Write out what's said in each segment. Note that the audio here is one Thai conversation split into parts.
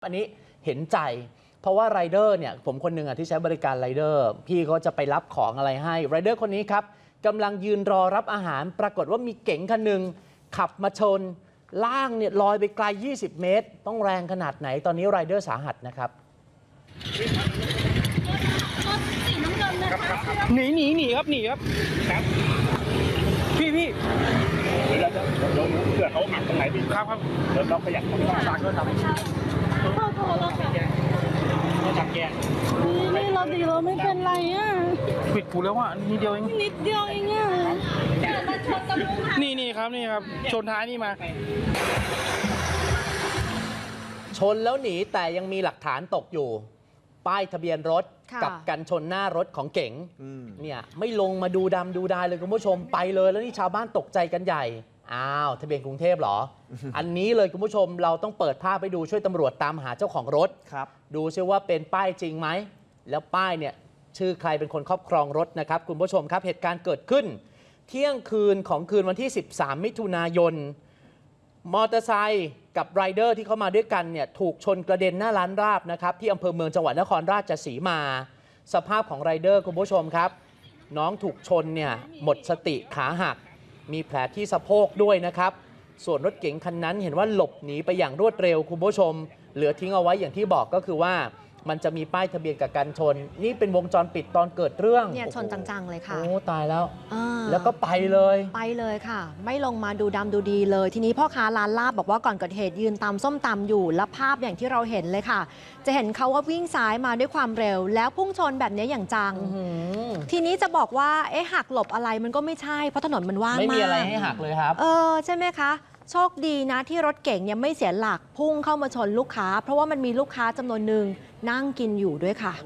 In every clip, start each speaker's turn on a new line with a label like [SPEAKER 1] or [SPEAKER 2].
[SPEAKER 1] อันนี้เห็นใจเพราะว่าไรเดอร์เนี่ยผมคนหนึ่งที่ใช้บริการไรเดอร์พี่เขาจะไปรับของอะไรให้ไรเดอร์คนนี้ครับกำลังยืนรอรับอาหารปรากฏว่ามีเก๋งคันหนึ่งขับมาชนล่างเนี่ยลอยไปไกล20 เมตรต้องแรงขนาดไหนตอนนี้ไรเดอร์สาหัสนะครับ
[SPEAKER 2] หนีครับพี่เดี๋ยวเผื่อเขาหักตรงไหนพี่ครับเดี๋ยวเราขยับตรงนี้ฝากด้วยครับ
[SPEAKER 3] พ่อโทรแล้วค่ะ
[SPEAKER 2] เราจับแก
[SPEAKER 3] นี่เราดีเราไม่เป็นไรอ่ะ
[SPEAKER 2] ปิดกูแล้วว่านิดเดียวเอง
[SPEAKER 3] นิดเดียวเองอ่ะ
[SPEAKER 2] นี่ครับชนท้ายนี่มา
[SPEAKER 1] ชนแล้วหนีแต่ยังมีหลักฐานตกอยู่ป้ายทะเบียนรถกับกันชนหน้ารถของเก๋งเนี่ยไม่ลงมาดูดำดูดายเลยคุณผู้ชมไปเลยแล้วนี่ชาวบ้านตกใจกันใหญ่อ้าวทะเบียนกรุงเทพเหรอ อันนี้เลยคุณผู้ชมเราต้องเปิดภาพไปดูช่วยตำรวจตามหาเจ้าของรถดูซิว่าเป็นป้ายจริงไหมแล้วป้ายเนี่ยชื่อใครเป็นคนครอบครองรถนะครับคุณผู้ชมครับเหตุการณ์เกิดขึ้นเที่ยงคืนของคืนวันที่13 มิถุนายนมอเตอร์ไซค์กับไรเดอร์ที่เข้ามาด้วยกันเนี่ยถูกชนกระเด็นหน้าร้านราบนะครับที่อำเภอเมืองจังหวัดนครราชสีมาสภาพของไรเดอร์คุณผู้ชมครับน้องถูกชนเนี่ยหมดสติขาหักมีแผลที่สะโพกด้วยนะครับส่วนรถเก๋งคันนั้นเห็นว่าหลบหนีไปอย่างรวดเร็วคุณผู้ชมเหลือทิ้งเอาไว้อย่างที่บอกก็คือว่ามันจะมีป้ายทะเบียนกับกันชนนี่เป็นวงจรปิดตอนเกิดเรื่อง
[SPEAKER 4] เนี่ยชนจังๆเลยค่ะ
[SPEAKER 1] โอ้ตายแล้วแล้วก็ไปเลย
[SPEAKER 4] ค่ะไม่ลงมาดูดำดูดีเลยทีนี้พ่อค้าร้านลาบบอกว่าก่อนเกิดเหตุยืนตำส้มตำอยู่และภาพอย่างที่เราเห็นเลยค่ะจะเห็นเขาว่าวิ่งซ้ายมาด้วยความเร็วแล้วพุ่งชนแบบนี้อย่างจังทีนี้จะบอกว่าหักหลบอะไรมันก็ไม่ใช่เพราะถนนมันว่างมาก
[SPEAKER 1] ไม่มีอะไรให้หักเลยครับ
[SPEAKER 4] ใช่ไหมคะโชคดีนะที่รถเก่งเนี่ยไม่เสียหลักพุ่งเข้ามาชนลูกค้าเพราะว่ามันมีลูกค้าจำนวนหนึ่งนั่งกินอยู่ด้วยค่ะ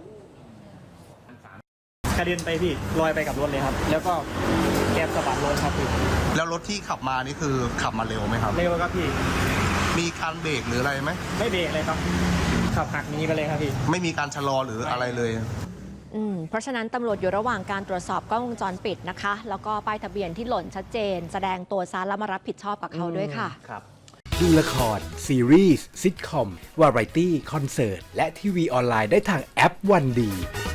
[SPEAKER 2] กระเด็นไปพี่ลอยไปกับรถเลยครับแล้วก็แกสะบัดรถครับพี่
[SPEAKER 5] แล้วรถที่ขับมานี่คือขับมาเร็วไหมครับ
[SPEAKER 2] เร็วครับพี่
[SPEAKER 5] มีการเบรกหรืออะไรไหม
[SPEAKER 2] ไม่เบรกเลยครับขับหักหนีไปเลยครับพี่
[SPEAKER 5] ไม่มีการชะลอหรืออะไรเลย
[SPEAKER 4] เพราะฉะนั้นตำรวจอยู่ระหว่างการตรวจสอบกล้องวงจรปิดนะคะแล้วก็ป้ายทะเบียนที่หล่นชัดเจนแสดงตัวซะแล้วมารับผิดชอบกับเขาด้วยค่ะ
[SPEAKER 6] ดูละครซีรีส์ซิทคอมวาไรตี้คอนเสิร์ตและทีวีออนไลน์ได้ทางแอปวันดี